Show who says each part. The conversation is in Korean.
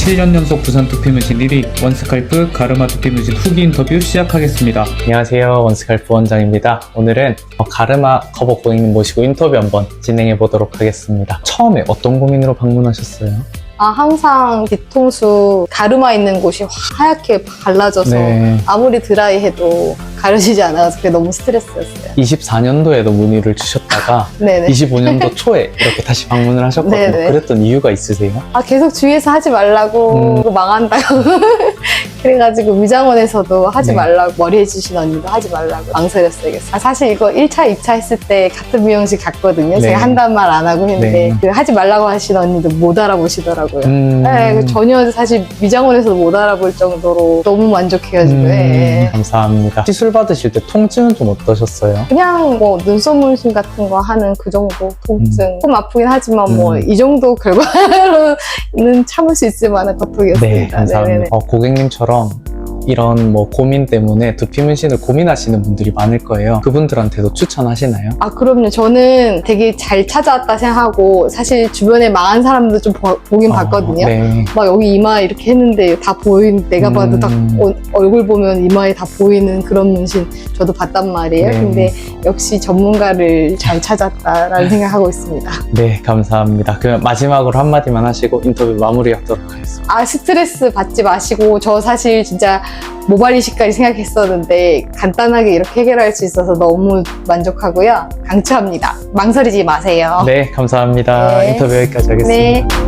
Speaker 1: 7년 연속 부산 두피문신 1위 원스칼프 가르마 두피문신 후기 인터뷰 시작하겠습니다.
Speaker 2: 안녕하세요, 원스칼프 원장입니다. 오늘은 가르마 커버 고객님 모시고 인터뷰 한번 진행해 보도록 하겠습니다. 처음에 어떤 고민으로 방문하셨어요?
Speaker 3: 항상 뒤통수 가르마 있는 곳이 하얗게 갈라져서
Speaker 2: 네.
Speaker 3: 아무리 드라이해도 가려지지 않아서 그게 너무 스트레스였어요.
Speaker 2: 24년도에도 문의를 주셨다가
Speaker 3: 네네.
Speaker 2: 25년도 초에 이렇게 다시 방문을 하셨거든요.
Speaker 3: 네네.
Speaker 2: 그랬던 이유가 있으세요?
Speaker 3: 계속 주위에서 하지 말라고 이거 망한다고 그래가지고 위장원에서도 하지
Speaker 2: 네.
Speaker 3: 말라고 머리 해주신 언니도 하지 말라고 망설였어요. 사실 이거 1차, 2차 했을 때 같은 미용실 갔거든요.
Speaker 2: 네.
Speaker 3: 제가 한단 말 안 하고 했는데
Speaker 2: 네.
Speaker 3: 그 하지 말라고 하신 언니도 못 알아보시더라고요. 네, 전혀 사실 미장원에서도 못 알아볼 정도로 너무 만족해가지고
Speaker 2: 감사합니다. 시술 받으실 때 통증은 좀 어떠셨어요?
Speaker 3: 그냥 뭐 눈썹 문신 같은 거 하는 그 정도 통증 조금 아프긴 하지만 뭐 이 정도 결과로는 참을 수 있을 만한 고통이었습니다.
Speaker 2: 네, 감사합니다.
Speaker 3: 네네네.
Speaker 2: 고객님처럼 이런 고민 때문에 두피 문신을 고민하시는 분들이 많을 거예요. 그분들한테도 추천하시나요?
Speaker 3: 그럼요. 저는 되게 잘 찾아왔다 생각하고 사실 주변에 망한 사람도 좀 보긴 봤거든요.
Speaker 2: 네.
Speaker 3: 막 여기 이마 이렇게 했는데 다 내가 봐도 딱 얼굴 보면 이마에 다 보이는 그런 문신 저도 봤단 말이에요.
Speaker 2: 네.
Speaker 3: 근데 역시 전문가를 잘 찾았다라는 생각하고 있습니다.
Speaker 2: 네, 감사합니다. 그럼 마지막으로 한마디만 하시고 인터뷰 마무리하도록 하겠습니다.
Speaker 3: 스트레스 받지 마시고 저 사실 진짜 모발 이식까지 생각했었는데 간단하게 이렇게 해결할 수 있어서 너무 만족하고요. 강추합니다. 망설이지 마세요.
Speaker 2: 네, 감사합니다.
Speaker 3: 네.
Speaker 2: 인터뷰 여기까지 하겠습니다.
Speaker 3: 네.